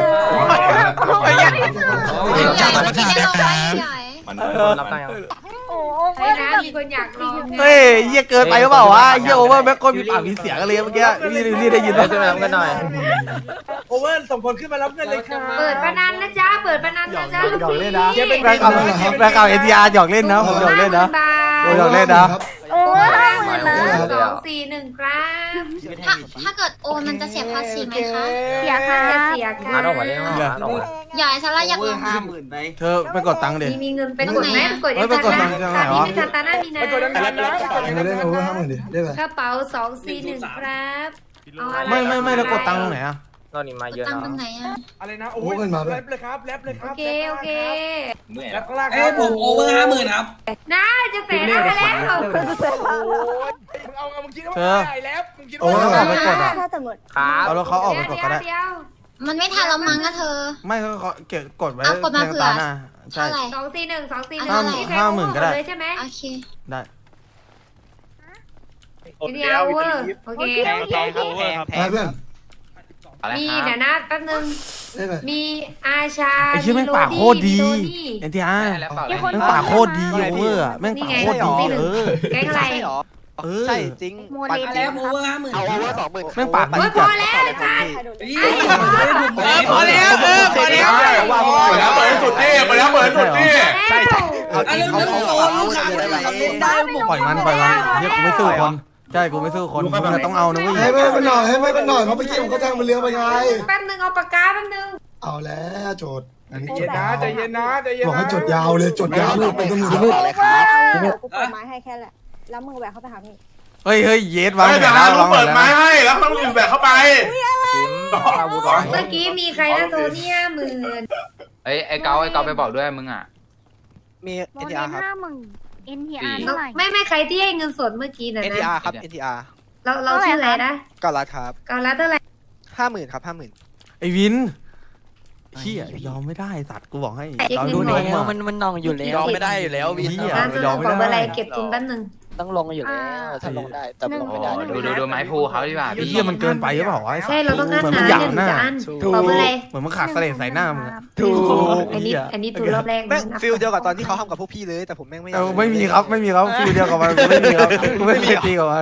[SPEAKER 8] เจ้าก่อนก็เจ้าเลยครับ
[SPEAKER 10] รับตังค์
[SPEAKER 3] ใช่นะมีคนอยากลอง
[SPEAKER 1] เฮ้ยเยี่ยเกินไปหรือเปล่าวะเยี่ยโอเวอร์แบ็คคนมีปากมีเสียงกันเลยเมื่อกี้นี่นี่ได้ยินไหม
[SPEAKER 10] ขึ้นมารับกันหน่อย
[SPEAKER 2] โอเวอร์ส่งคนขึ้นมารับเงินเลยครับ
[SPEAKER 3] เปิดพนันนะจ๊ะเปิดพนันนะจ๊ะ
[SPEAKER 1] หยอกเล่นนะแบ็คเอาแบ็คเอาเอ็นทีอาร์หยอกเล่นนะผมหยอกเล่นนะ โอ้ยหยอกเล่นนะ
[SPEAKER 3] โอ้ยห้าหมื่นเลยสองสี่หนึ่งครับ
[SPEAKER 7] ถ้าถ้าเกิดโอนมันจะเสียภาษีไหมคะ
[SPEAKER 3] เสียค่ะเสียค่ะ
[SPEAKER 10] มาออกมาเลยมาออกมา
[SPEAKER 7] ใหญ่ซะละอยากลอง
[SPEAKER 10] ห้าหมื่นไป
[SPEAKER 1] เธอไปกดตังค์ดิ
[SPEAKER 3] มีมีเงินไปกดไหมไปกด
[SPEAKER 1] เฮ้ยไปกดตังค์
[SPEAKER 3] ยั
[SPEAKER 1] ยัง ง
[SPEAKER 3] ไง
[SPEAKER 1] ไง
[SPEAKER 3] วะ
[SPEAKER 1] วะ
[SPEAKER 3] มีทันตาหน้ามีนะ
[SPEAKER 2] ไปกดดังๆนะไปกด
[SPEAKER 6] เงินเล่นโอเวอร์ห้าหมื่นดิเลขอะไร
[SPEAKER 3] กระเป๋าสองสี่หนึ่งครับเอาอะไร
[SPEAKER 1] ไม่ไม่ไม่แล้วกดตังค์ตรงไหนอะ
[SPEAKER 10] ตอนนี้มาเยอะ
[SPEAKER 7] ตัง
[SPEAKER 10] นะ
[SPEAKER 7] ค์ตรงไหนอ่ะ
[SPEAKER 2] อะไรนะโอ้ยแรปเลยครับแรปเลยค
[SPEAKER 3] โอ
[SPEAKER 2] รับ
[SPEAKER 3] เคโอเค
[SPEAKER 2] แรปข้างล่าง
[SPEAKER 11] เอ้ยผมโอเวอร์ห้าหมื่นครับ
[SPEAKER 3] น่าจะแสนอะไรแล้ว
[SPEAKER 2] โอ้ยมึงเอามึงคิดว่าไอ้แรปมึงคิด
[SPEAKER 1] โอ้
[SPEAKER 2] ว่า
[SPEAKER 1] ยเอาไปกดอะ
[SPEAKER 10] ครับ
[SPEAKER 1] เอาแล้วเขาออกไปกดก็ได้
[SPEAKER 3] เดี๋ยว
[SPEAKER 7] มันไม่ทันแล้วมั้งอะเธอ
[SPEAKER 1] ไม่เขาเขาเก็บกดไว้
[SPEAKER 7] เอากดมาเผื่อ
[SPEAKER 1] ตาหน้าใช่
[SPEAKER 7] เท่าไหร่
[SPEAKER 3] สองสี่หนึ่งสองสี่หนึ่ง
[SPEAKER 1] ห้าห้าหมื่นก็ได้
[SPEAKER 3] เลยใช่ไหม
[SPEAKER 7] โอเค
[SPEAKER 1] ได้
[SPEAKER 3] เดียวเวอร์โอเค
[SPEAKER 9] แทงแทงครับแทง
[SPEAKER 6] ไปเพื่อน
[SPEAKER 3] มีเดี๋ยวนะแป๊บนึง
[SPEAKER 6] เลขอะไร
[SPEAKER 3] มีอาชา
[SPEAKER 1] ไอ้ชื่อแม่งปากโคตรดี
[SPEAKER 3] มีโนี่
[SPEAKER 1] เอ็นทีอาร์
[SPEAKER 10] แล้วเปล่า
[SPEAKER 1] แม่งปากโคตรดีโอเวอร์อะแม่งปากโคตรดีเออ
[SPEAKER 3] แก๊งอะไร
[SPEAKER 1] เออ
[SPEAKER 8] ใช่จริง
[SPEAKER 11] แล้วโอเวอร์ห้าหมื่น
[SPEAKER 8] เอาโอเวอร์สองหมื่น
[SPEAKER 1] แม่งปาก
[SPEAKER 3] โอ้
[SPEAKER 1] ดี
[SPEAKER 3] ยพ
[SPEAKER 1] จั
[SPEAKER 3] อ
[SPEAKER 1] ด
[SPEAKER 3] แล้วอาจารย์
[SPEAKER 9] เออพอแล้วเออพอแล้ว
[SPEAKER 5] เปิดแล้วเปิดสุดที่เปิดแล้วเปิดสุดที่
[SPEAKER 3] ใช่ใช่
[SPEAKER 8] เอาจริงเขาเขา
[SPEAKER 11] ลูกค้าคนอื่นเขาเล่นได้ผม
[SPEAKER 1] ปล่อยมันปล่อยมันเฮียกูไม่สู้คนใช่กูไม่สู้คนมึงต้องเอานะเว้ย
[SPEAKER 6] ให้ไม่เป็นหน่อยให้ไม่เป็นหน่อยเพราะเมื่อกี้ผมก็แทงมันเลี้ยงไปไง
[SPEAKER 3] แป๊บนึงเอาปากกาแป๊บนึง
[SPEAKER 6] เอาแล้วโจทย์อันนี้
[SPEAKER 2] ใจเย็นนะใจเย็นนะใจเย็น
[SPEAKER 6] บอก
[SPEAKER 2] นะ
[SPEAKER 6] ให้จดยาวเลยจดยาวเลยเป็นตำรวจ
[SPEAKER 8] เลยครับ
[SPEAKER 11] กูเปิดไม้ให้แค่แหละ แล้วมึงแหวกเข้าไปหาพี่
[SPEAKER 1] เฮ้ยเฮ้ยเยสวาง
[SPEAKER 5] ไม่
[SPEAKER 1] แผ
[SPEAKER 5] แต่
[SPEAKER 1] น
[SPEAKER 5] ร้า
[SPEAKER 1] แล้ว
[SPEAKER 5] น
[SPEAKER 1] วางแผ
[SPEAKER 5] เปิ
[SPEAKER 1] น
[SPEAKER 5] ด
[SPEAKER 1] แล้ว
[SPEAKER 5] ไม้ให้แล้วต้องรีบแบกเข้าไป
[SPEAKER 10] อาวุธก่อน
[SPEAKER 3] เมื่อกี้มีใครนะโทนี่ห้าหมื่น
[SPEAKER 10] ไอ้ไอ้เกาไอ้เกาไปบอกด้วยมึงอ่ะ
[SPEAKER 8] มี เอ็น ที อาร์ ครับ
[SPEAKER 7] เอ็นทีอาร์เท่าไหร่
[SPEAKER 3] ไม่ไม่ใครที่ให้เงินสดเมื่อกี้นะ
[SPEAKER 8] เอ็น ที
[SPEAKER 3] นะ
[SPEAKER 8] อาร์ ครับ เอ็น ที อาร์
[SPEAKER 3] เราเราชื่ออะไรนะ
[SPEAKER 8] ก็รัดครับ
[SPEAKER 3] ก่อนละเท่าไหร่
[SPEAKER 8] ห้าหมื่นครับห้าหมื่น
[SPEAKER 1] ไอ้วินเฮียยอมไม่ได้สัตว์กูบอกให้
[SPEAKER 3] เช็ค
[SPEAKER 1] เรา
[SPEAKER 3] เงิ
[SPEAKER 1] ดู
[SPEAKER 3] นหน่
[SPEAKER 1] น้
[SPEAKER 3] อ
[SPEAKER 1] อย ง
[SPEAKER 3] มัน
[SPEAKER 1] มา
[SPEAKER 3] มันนองอยู่แล้ว
[SPEAKER 8] ยอมไม่ได้อยู่แล้ววิน
[SPEAKER 1] เหี้ย
[SPEAKER 3] ร้านซื้อของอะไรเก็บทุนแป๊บนึง
[SPEAKER 8] ต้องลงอยู่แล้วถ้าลงได้แต่ลงไม่ได้
[SPEAKER 10] ดูดูดูไม้พูเขาดีกว่า
[SPEAKER 1] ไอ้
[SPEAKER 10] พี่
[SPEAKER 1] เฮียมันเกินไปหรือเปล่าวะ
[SPEAKER 3] ใช่เราต้องการ
[SPEAKER 1] เหมือน
[SPEAKER 3] หา
[SPEAKER 1] มันหยา
[SPEAKER 3] เงิ
[SPEAKER 1] บ
[SPEAKER 3] น
[SPEAKER 1] หน้า
[SPEAKER 3] จะอัน
[SPEAKER 8] ถูก
[SPEAKER 3] บอกอะไร
[SPEAKER 1] เหมือนมันขาดเสลดใส่หน้ามึงอะ
[SPEAKER 8] ถูก
[SPEAKER 3] อันนี้อันนี้ถูกรอบแรก
[SPEAKER 8] แม่ง
[SPEAKER 3] นะ
[SPEAKER 8] ฟิลเดียวกับตอนที่เขาทำกับพวกพี่เลยแต่ผมแม่งไม่
[SPEAKER 1] เออไม่มีครับไม่มีครับฟิลเดียวกับมันกูไม่มีครับกูไม่เคยตีกับมัน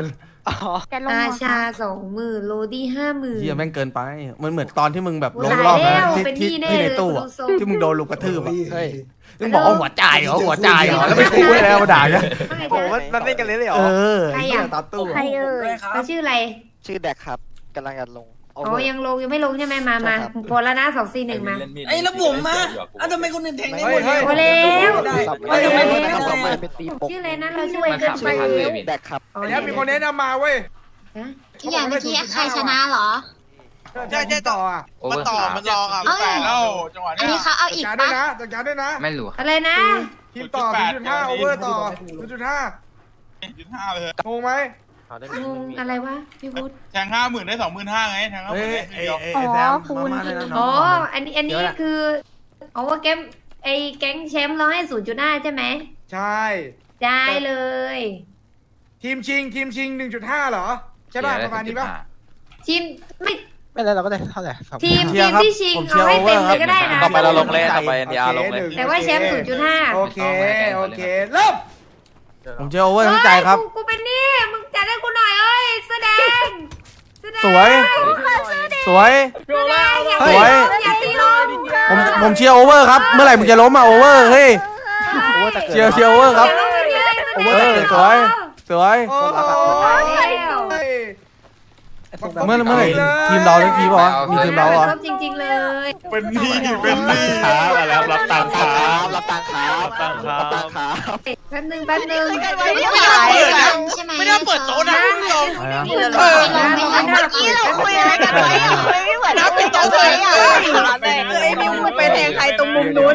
[SPEAKER 3] จะลงอาชาสองหมื่นโรดี้ห้าหมื่น
[SPEAKER 1] เฮียแม่งเกินไปมันเหมือนตอนที่มึงแบบลง
[SPEAKER 3] หลาย
[SPEAKER 1] รอบนะ
[SPEAKER 3] แล้ว
[SPEAKER 1] ที่
[SPEAKER 3] เป็น
[SPEAKER 1] ที่
[SPEAKER 3] หนี้แน่
[SPEAKER 1] ที่ใน
[SPEAKER 3] เลย
[SPEAKER 1] ตู้อะ
[SPEAKER 3] ดูทรง
[SPEAKER 1] ที่มึงโดนลุกกระทืบอะ
[SPEAKER 6] เฮ้ย
[SPEAKER 1] มึงบอกว่าหัวใจายเหรอหัวใจายเหรอแล้วไปคุยแล้วมาด่าเนี่ย
[SPEAKER 8] โอ้มันมันเล่นกันเลยเหรอ
[SPEAKER 1] เออ
[SPEAKER 3] ใคร
[SPEAKER 1] ไอ้เหี้ย
[SPEAKER 3] อ่ะ
[SPEAKER 1] ตามตู้
[SPEAKER 3] ใครเอ่ยเขาชื่ออะไร
[SPEAKER 8] ชื่อแดกครับกำลังจะลง
[SPEAKER 3] อ๋อยังลงยังไม่ลงใช่ไหมมามาพอแล้วนะสองสี่หนึ่งมา
[SPEAKER 11] ไอ้แล้วผมมาอ้าวทำไมคนอื่นแทงได้หมด
[SPEAKER 3] พอแล้ว
[SPEAKER 8] ไม่ไม่ไม่ไม่เป็นตีปก
[SPEAKER 3] ชื่ออะไรนะเราชื่ออะไรเกินไป
[SPEAKER 8] แดกครับ
[SPEAKER 3] อ๋อ
[SPEAKER 2] ไอ้เนี่ยมีคนแนะนำมาเว้ย
[SPEAKER 7] ที่อย่างเมื่อกี้ใครชนะเหรอ
[SPEAKER 2] ใช่ใช่ต่ออ่ะ
[SPEAKER 10] มันต่อมันรออ่ะ
[SPEAKER 7] เอ้ย
[SPEAKER 10] แล้วจังหวะ
[SPEAKER 7] อัน
[SPEAKER 10] เนี้
[SPEAKER 7] นี้
[SPEAKER 10] ย
[SPEAKER 7] เขาเอา
[SPEAKER 2] จัด
[SPEAKER 7] อีก
[SPEAKER 2] การด้ว
[SPEAKER 7] ปะ
[SPEAKER 2] ยนะจัดการด้วยนะ
[SPEAKER 10] ไม่รู้
[SPEAKER 3] อะไรนะ
[SPEAKER 2] ทีมต่อศูนย์จุดห้าโอเวอร์ต่อศูนย์จุดห้า
[SPEAKER 10] จุดห้าเลย
[SPEAKER 2] งงไหม
[SPEAKER 3] งงอะไรวะพี่พุทธ
[SPEAKER 10] แทงห้าหมื่นได้สองหมื่นห้าไงแทงห้าห
[SPEAKER 1] เฮ้
[SPEAKER 10] มื่
[SPEAKER 1] ย
[SPEAKER 10] นได้
[SPEAKER 1] ไอ้
[SPEAKER 10] เดียว
[SPEAKER 1] ไอ้ไอ้แซมมามาเลยนะน้
[SPEAKER 3] อ๋
[SPEAKER 1] อ
[SPEAKER 3] อง อันนี้อันนี้คืออ๋อว่าแกมไอ้แก๊งแชมป์เราให้ศูนย์จุดห้าใช่ไหม
[SPEAKER 2] ใช่
[SPEAKER 3] ได้เลย
[SPEAKER 2] ทีมชิงทีมชิงหนึ่งจุดห้าเหรอใช่ป่ะประมาณนี้ป่ะ
[SPEAKER 3] ทีมไม่
[SPEAKER 8] ไม่แล้วเราก็ได้เท่าไหร่
[SPEAKER 3] ทีมทีมที่ชิงเอาให้เต็มเลยก็ได้นะ
[SPEAKER 1] ต่อไปเราลงเล่น
[SPEAKER 5] ต่อไป NDR ลงเลย
[SPEAKER 3] แต่ว่าแชมป์ศูนย์จุดห้า
[SPEAKER 2] โอเคโอเคเริ่ม
[SPEAKER 1] ผมเจอโอเวอร์ทั้งใจครับ
[SPEAKER 3] กูเป็นนี่มึงจัดให้กูหน่อยเอ้ยแสดงแสดง
[SPEAKER 1] สวย สวย
[SPEAKER 3] แสดงอย่า
[SPEAKER 1] สวย
[SPEAKER 3] อย่าตีลง
[SPEAKER 1] ผมผมเชียร์โอเวอร์ครับเมื่อไหร่มึงจะล้มอะโอเวอร์เฮ้ยเชียร์เชียร์โอเวอร์ครับ
[SPEAKER 3] อย่าลงไปเลย
[SPEAKER 1] เออสวยสวย
[SPEAKER 2] โอ้ย
[SPEAKER 1] เมื่อเมื่อไหร่ทีมเราทั้งทีมบอกว่ามีทีมเราเหรอ
[SPEAKER 3] ชอบจริง ๆ เลย
[SPEAKER 10] เป็นหนี้เป็นหนี้
[SPEAKER 5] ครับมาแล้วรับตังค์ครับ
[SPEAKER 8] รับตังค์ครับรับตังค์ครับรับตังค์ครับ
[SPEAKER 3] แป๊บนึงแป๊บนึง
[SPEAKER 7] ไม่ได้เปิดใช่ไหม
[SPEAKER 9] ไม่ได้เปิดโต๊ะนะคุณผู้ชม
[SPEAKER 3] เออไม่ได้เปิด
[SPEAKER 7] คุยอะไรกันไว้อะไม่เหมือน
[SPEAKER 9] น้ำปิดโต๊ะเลยอ่ะ
[SPEAKER 11] ไอ้มิวไปแทงใครตรงมุมนู้น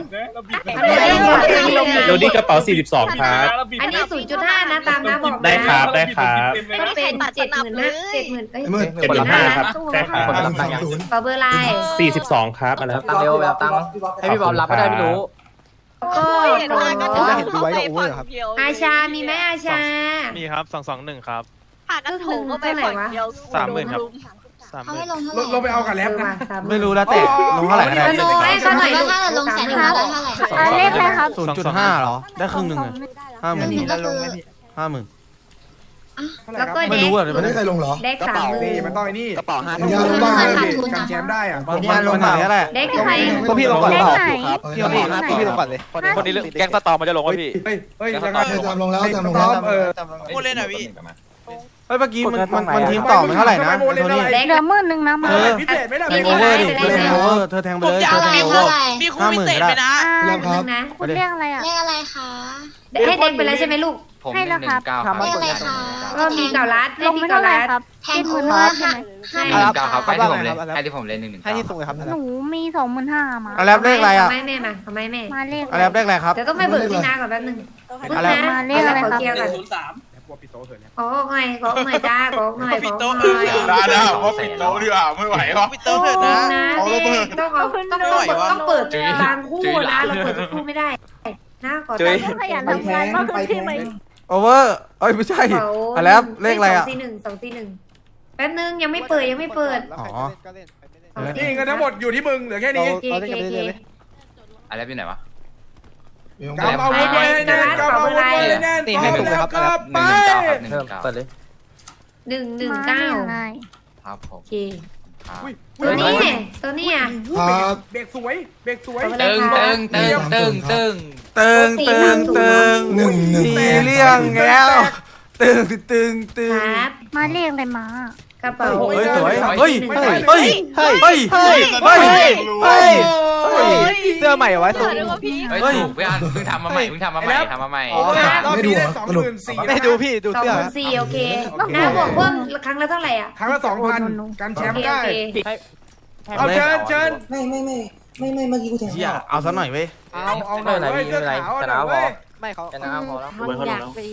[SPEAKER 3] โรดี้กระเป๋า
[SPEAKER 5] สี่สิบสองครับ
[SPEAKER 3] อันนี้ ศูนย์จุดห้า นะตามนะบอกนะ
[SPEAKER 5] ได้ครับได้ครับ
[SPEAKER 3] ก็เป็นเจ็ดหมื่นนะเจ็ดหมื่นเอ้ย
[SPEAKER 6] หมื่น
[SPEAKER 5] เจ็ดหมื่นห้าครับใช่ครับ
[SPEAKER 6] ศูนย์
[SPEAKER 3] ขอเบอร์ไลน์
[SPEAKER 5] สี่สิบสองครับอะไร
[SPEAKER 4] ตังเร็วแบบตังให้พี่บอลรับก็ได้ไม่รู้
[SPEAKER 3] ก็
[SPEAKER 8] เห็นดูไว้กับโอเวอร์ครับ
[SPEAKER 3] อาชา มีไหมอาชา
[SPEAKER 5] มีครับสองสองหนึ่งครับ
[SPEAKER 7] ผ่านน้ำโถก็ไปฝั่งเดียว
[SPEAKER 5] สามหมื่นครับสามห
[SPEAKER 7] เขา
[SPEAKER 5] มื่
[SPEAKER 7] ให้
[SPEAKER 5] น
[SPEAKER 7] ลงเท่าไห
[SPEAKER 2] ล
[SPEAKER 7] ร่
[SPEAKER 2] งลงไปเอากับแล็บนะ
[SPEAKER 1] ไม่รู้แล้วแต่ลงเท่าไหร่ก็ได้
[SPEAKER 3] โน้ยก็หน่อย
[SPEAKER 7] แล้
[SPEAKER 3] ลู
[SPEAKER 7] ว
[SPEAKER 3] ก
[SPEAKER 7] ถ้าเราลงแสนห้าแล้วเท่าไหร่
[SPEAKER 3] เลขอะไรครับ
[SPEAKER 1] ศูนย์จุดห้าเหรอได้ครึ่งหนึ่งเลยห้าหมื่น
[SPEAKER 7] นี่ก็คือ
[SPEAKER 1] ห้าหมื่น
[SPEAKER 3] แล้วก็
[SPEAKER 1] ไม่
[SPEAKER 3] เด็
[SPEAKER 1] รู้
[SPEAKER 3] ก
[SPEAKER 1] อ่ะ
[SPEAKER 6] ไม่ได้ใครลงเหรอ
[SPEAKER 3] เด็กสามหมื่
[SPEAKER 2] นี่
[SPEAKER 3] น
[SPEAKER 2] มันต้องไอ้นี่
[SPEAKER 8] กระเป๋าห้า
[SPEAKER 6] เอ็นยาลงบ้าง
[SPEAKER 2] กันแชมป์ได้อ่ะ
[SPEAKER 1] มันมันไหนก็ได้
[SPEAKER 3] เด็กใคร
[SPEAKER 8] พวกพี่ลงก่อนเปล่าครับ
[SPEAKER 6] พี่
[SPEAKER 8] พี่ลงก่อนพี่ลงก่อนเลยคนนี้แก๊งสตอมมันจะลงวะพี่
[SPEAKER 2] เฮ้ยเฮ้ย
[SPEAKER 6] เออจำลงแล้วจำลงแล้ว
[SPEAKER 2] เออ
[SPEAKER 9] พูดเล่นอ่ะพี่
[SPEAKER 1] เฮ้ยเมื่อกี้มันมันมันทีมต่อมันเท่าไหร่นะโทนี่
[SPEAKER 3] เด็ก
[SPEAKER 11] เหลือหมื่นหนึ่งนะมา
[SPEAKER 1] เออ
[SPEAKER 2] พิเศษไม่ได้
[SPEAKER 1] แทงโอเวอร์ดิเธอแทงโอเวอร์เธอแทงไปเลยเธอแทงโอเวอร์
[SPEAKER 9] มีคู่พิเศษไปนะ
[SPEAKER 6] แล้วครับ
[SPEAKER 3] นะ
[SPEAKER 11] คุณเรียกอะไรอ่ะ
[SPEAKER 7] เลขอะไรคะ
[SPEAKER 3] ให้เด็กไปแล้วใช่ไหมลูก
[SPEAKER 11] ให้แล้วครับ
[SPEAKER 7] เลขอะไรคะ
[SPEAKER 3] ก็มีเก่ารัด
[SPEAKER 11] ลงไม่เท่าไหร่ครับ
[SPEAKER 7] แทงโอเวอร์ค่ะ
[SPEAKER 3] ให้
[SPEAKER 8] ครับให้ที่ผมเลยให้ที่ผมเลยหนึ่งหนึ่งให้ที่ส่งเลยครับ
[SPEAKER 11] หนูมีสองหมื่นห้ามา
[SPEAKER 1] อะไรเลขอะไรอ่ะ
[SPEAKER 3] ไม่แม่มาทำไมแม่
[SPEAKER 11] มาเลข
[SPEAKER 1] อะไรเลขอะไรครับ
[SPEAKER 3] เดี๋ยวต้องไปเบิกที่นาก่อนแป๊บนึง
[SPEAKER 1] อะไร
[SPEAKER 11] มาเลขอะไรครับ
[SPEAKER 3] เกียร์ก่อน
[SPEAKER 11] ศูนย์สาม
[SPEAKER 2] กลัวปิดโต๊ะเถอะเนี่ย
[SPEAKER 3] ขอหน่อยขอหน่อยจ้าขอหน่อยขอหน่อย
[SPEAKER 9] ปิดโต๊ะ
[SPEAKER 10] ได้ได้ว่าปิดโต๊ะดีกว่าไม่ไหวหรอ
[SPEAKER 9] ปิดโต๊ะเถอะนะ
[SPEAKER 3] นะต้องเอาต้องต้องต้องเปิดบางคู่นะเราเปิดทุกคู่ไม่ได้นะขอตั้ง
[SPEAKER 11] ขยันทำงานมากขึ้นใช่ไหม
[SPEAKER 1] โอเวอร์เอ้ยไม่ใช่อะไรเลขอะไรอ่ะ
[SPEAKER 3] สองสี่หนึ่งสองสี่หนึ่งแป๊บนึงยังไม่เปิดยังไม่เปิด
[SPEAKER 1] อ๋อ
[SPEAKER 2] นี่เงินทั้งหมดอยู่ที่มึงเหลือแค่นี้
[SPEAKER 3] เกเกเก
[SPEAKER 10] อะไรเป็นไหนวะ
[SPEAKER 2] กำเอาวุธไว้ให้แน่นกำเอาวุธไว้ให้แน่นพร้อมแล้วก็ไป
[SPEAKER 10] หนึ่งเก้าครับหนึ่งเก้า
[SPEAKER 8] เปิดเลย
[SPEAKER 3] หนึ่งหนึ่งเก้า
[SPEAKER 10] ครับผม
[SPEAKER 3] โอเค
[SPEAKER 2] อุ้ย
[SPEAKER 3] ตัวนี้ตัวนี้อ่ะ
[SPEAKER 6] ครับ
[SPEAKER 2] เบรกสวยเบรกสวย
[SPEAKER 10] ตึงตึงตึงตึงตึง
[SPEAKER 1] ตึงตึงตึง
[SPEAKER 6] หนึ่งหนึ่ง
[SPEAKER 1] มีเรื่องแล้วตึงตึงตึง
[SPEAKER 3] ครับ
[SPEAKER 11] มาเลขอะไรมาก
[SPEAKER 3] ระเป๋า
[SPEAKER 1] เฮ้ยสวยเฮ้ยเฮ้ยเฮ้ยเฮ้ยเฮ้ยเฮ้ยเฮ้ยเฮ้ย
[SPEAKER 8] เสื้อใหม่เอาไว้
[SPEAKER 10] เฮ้ยถูกพี่อันเพิ่งทำมาใหม่เพิ่งทำมาใหม่ทำมาใหม่
[SPEAKER 2] โอ้ยรอบนี้ได้สองหมื่นสี่
[SPEAKER 8] ไม่ดูพี่ดู
[SPEAKER 3] สอง
[SPEAKER 8] เสื้อ
[SPEAKER 3] พันสี่โอเคน้าบอกเพิ่มครั้งละเท่าไหร่อ่ะ
[SPEAKER 2] ครั้งละสองพันกันแช
[SPEAKER 3] โอ
[SPEAKER 2] มป์
[SPEAKER 3] เค
[SPEAKER 2] ได้
[SPEAKER 3] โอเค
[SPEAKER 2] เอาเชิญเชิญ
[SPEAKER 6] ไม่ไม่ไม่ไม่ไม่เมื่อกี้กูแทง
[SPEAKER 1] เฮียเอาซะหน่อยเว้ย
[SPEAKER 2] เอาเอาหน่อยเว้ยเสื้อขาวเอาหน่อยเว้ย
[SPEAKER 8] ไม่เขา
[SPEAKER 9] ชนะพอแล้ว
[SPEAKER 11] มันอยากไป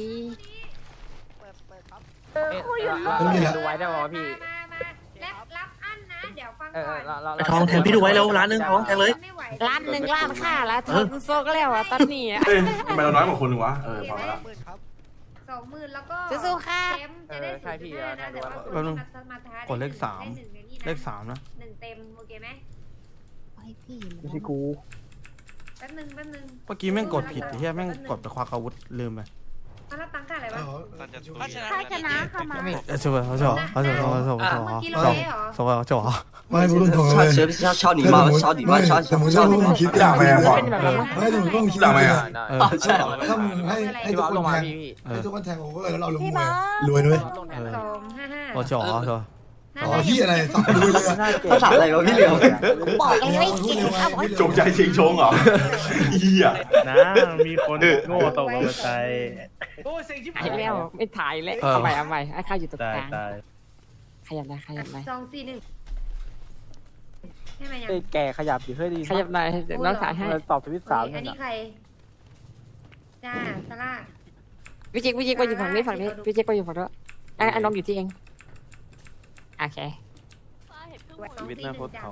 [SPEAKER 6] ไม่มีแล้ว
[SPEAKER 9] ดูไว้ได้ป่าวพี่
[SPEAKER 3] รับรับอันนะเดี๋ยวฟัง
[SPEAKER 9] เออ
[SPEAKER 3] ก่อน
[SPEAKER 9] เราเรา
[SPEAKER 11] ทองแทนพี่ดูไว้แล้วร้านนึงทองแทนเลย
[SPEAKER 3] ไม่ไหว
[SPEAKER 11] ร้านหนึ่งร้านค่าแล้วทองโซกแล้วอ่ะตอนนี้อ่ะ
[SPEAKER 5] เอ้ยทำไมเราน้อยกว่าคนหนึ่งวะเออพอแล้ว
[SPEAKER 3] สองหมื่นแล้วก็
[SPEAKER 11] สู้ๆค่ะ
[SPEAKER 3] เต็มจะได้ศูนย์จุดห้านะแต่ว่า
[SPEAKER 1] แป๊บนึง
[SPEAKER 3] สมาร์ท
[SPEAKER 1] กดเลขสาม
[SPEAKER 3] ได้หนึ่งในนี่นะ
[SPEAKER 1] เลขสามนะ
[SPEAKER 3] หนึ่งเต็มโอเคไหม
[SPEAKER 8] ไม่ใช่กู
[SPEAKER 3] แป๊บนึงแป๊บนึง
[SPEAKER 1] เมื่อกี้แม่งกดผิดเฮียแม่งกดไปควักอาวุธลืมไป
[SPEAKER 3] มารับตังค่าอะไรวะ
[SPEAKER 6] เอา
[SPEAKER 9] ถ้าชนะ
[SPEAKER 11] ถ้าชนะค่ะมา
[SPEAKER 1] เออช่วยเขาช่วยเขาช่วยเขาช่วยเขา
[SPEAKER 3] เมื่อกี้
[SPEAKER 1] ช่วย
[SPEAKER 3] เราเละเหรอ
[SPEAKER 1] ช่วยเขาช่วย
[SPEAKER 6] ไม่พูดตรงๆเลย
[SPEAKER 10] ชอบชอบหนีมาชอบหนีมาชอบ
[SPEAKER 6] แต่มึงถ้าพวกมึงคิด
[SPEAKER 5] ด่าไหมอ่ะ
[SPEAKER 6] ไม่แต่มึงต้องคิด
[SPEAKER 5] ด่าไหมอ่ะ
[SPEAKER 1] เออ
[SPEAKER 10] ใช่
[SPEAKER 6] ถ้ามึงให้ให้ทุกคนแทงให้ทุกคนแทงโอเวอร์แล้วเราลงมวยรวยด้วย
[SPEAKER 3] สองห้าห้า
[SPEAKER 1] โอ้ช่วยช่วย
[SPEAKER 6] อ๋อที่อะไรต้องรวยเลย
[SPEAKER 10] ภาษาอะไรวะพี่เหลียว
[SPEAKER 11] บอกเลยไม่เก่งเอาไว้
[SPEAKER 5] จงใจชิงชงเหรอเหี้ย
[SPEAKER 4] นะมีคนโง่ตกลงไป
[SPEAKER 2] โอ้ยเสียงชิบ
[SPEAKER 11] ไอ้
[SPEAKER 2] หาย
[SPEAKER 11] แล้วไม่ถ่ายแล้วเอาใหม่เอาใหม่ไอ้ข้าอยู่ตรง
[SPEAKER 4] ตาย
[SPEAKER 11] กลาง
[SPEAKER 4] ตาย
[SPEAKER 11] ขยับได้ขยับได้
[SPEAKER 3] สองสี่หนึ่งใช่ไหมยัง
[SPEAKER 4] แกขยับอยู่เพื่อดี
[SPEAKER 11] ขยับได้น้องถ่ายให้
[SPEAKER 4] ตอบทวิตสาม
[SPEAKER 3] อันนี้ใครจ้าซาร่า
[SPEAKER 11] พี่เจ๊กพี่เจ๊กไปอยู่ฝั่งนี้ฝั่งนี้พี่เจ๊กไปอยู่ฝั่งนู้นไอ้น้องอยู่ที่เองโอเค
[SPEAKER 4] ชีวิตน่าโคตรเขา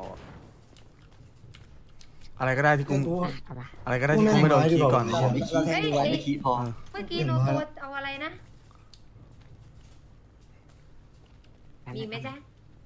[SPEAKER 1] อะไรก็ได้ที่กู
[SPEAKER 11] เอามา
[SPEAKER 1] อะไรก็ได้ที่กูไม่โดนขี้ก่อน
[SPEAKER 10] ขอไม่ขี้ดูไว้ไม่ขี้พอ
[SPEAKER 3] เมื่อกี้โนโตเอาอะไรนะ มีไหมจ๊ะ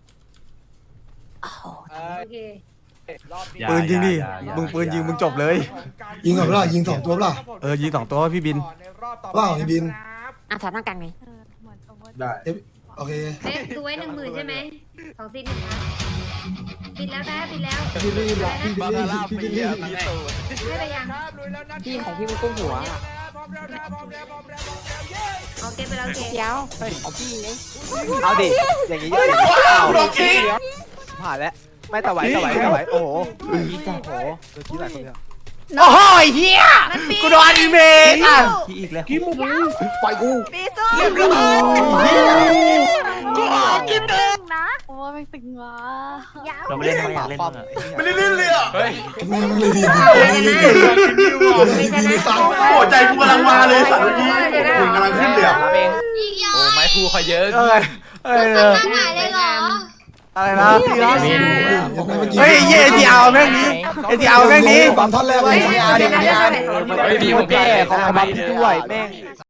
[SPEAKER 3] โอเค
[SPEAKER 1] ปืนยิงดิมึงปืนยิงมึงจบเลย
[SPEAKER 6] ยิงกับเรายิงสองตัวเปล่า
[SPEAKER 1] เออยิงสองตัวพี่บิน
[SPEAKER 6] เปล่าพี่บิน
[SPEAKER 11] อ่ะถอดหน้ากลางไง
[SPEAKER 5] ได้
[SPEAKER 6] โอเค
[SPEAKER 3] เอ๊ะดูไว้หนึ่งหมื่นใช่ไหมสองสี่หนึ่งครับปิดแล้วนะปิดแล้ว
[SPEAKER 6] พี่บินพี่บิน
[SPEAKER 8] บา
[SPEAKER 6] พี่
[SPEAKER 8] คาร่า
[SPEAKER 6] บิน
[SPEAKER 8] ไป
[SPEAKER 6] พี่
[SPEAKER 8] เยี่ยม
[SPEAKER 6] บิน
[SPEAKER 8] พี่ตู่
[SPEAKER 3] ให้ไปยัง
[SPEAKER 11] พี่ของพี่มันกุ้งหัว
[SPEAKER 2] พร้อมแล้วนะพร้อมแล้วพร้อมแล้วพร้อมแล้วเย้
[SPEAKER 3] โอเคไปแล้วโอเค
[SPEAKER 11] เดี๋ยวของพี่ไง
[SPEAKER 4] เอาดิอย่างนี้
[SPEAKER 5] ว้าวดอกขี้
[SPEAKER 4] ผ่านแล้วไม่ตะไหวตะไหวตะไหวโอ้โหโอ้โหโดนที่หลายคนเลย
[SPEAKER 1] โอ้โหเฮียกูโดนอีเมลอ่ะ
[SPEAKER 4] ที่อีกแล้ว
[SPEAKER 6] ปล่อยกู
[SPEAKER 11] ปีสู้
[SPEAKER 8] กูออกกินเดิม
[SPEAKER 11] นะโอ้ไม่ตึงวะ
[SPEAKER 4] เราไม่เล่นไม่อยากเล่นมึงอ่ะ
[SPEAKER 5] ไม่ได้เล่นเลยอ่ะ
[SPEAKER 8] เฮ้ย
[SPEAKER 6] แม่มึงเลยดีดีดีดีดีดีสัตว์
[SPEAKER 5] โอ้ใจกูกำลังมาเลยสัตว์เมื่อกี้มึงกำลังขึ้นเลยอ่ะ
[SPEAKER 7] อีกยอ
[SPEAKER 8] โอ้ไม้พูเขาเยอะ
[SPEAKER 1] เออเออเออ
[SPEAKER 7] หายเลยเหรอ
[SPEAKER 1] อะไรนะ
[SPEAKER 6] เฮ้
[SPEAKER 1] เฮ้ยเอทีเอาแม่งนี้เอทีเอาแม่งนี้
[SPEAKER 6] ตามท่อนแรกเลย
[SPEAKER 11] เดี๋ยวนะเดี๋ยวนะ
[SPEAKER 8] เฮ้ยพี่ผมแก้
[SPEAKER 4] ของ
[SPEAKER 8] ทำ
[SPEAKER 4] อา
[SPEAKER 8] ไม
[SPEAKER 4] บัม
[SPEAKER 8] เด้
[SPEAKER 4] ด้วย
[SPEAKER 8] อ
[SPEAKER 4] แม่ง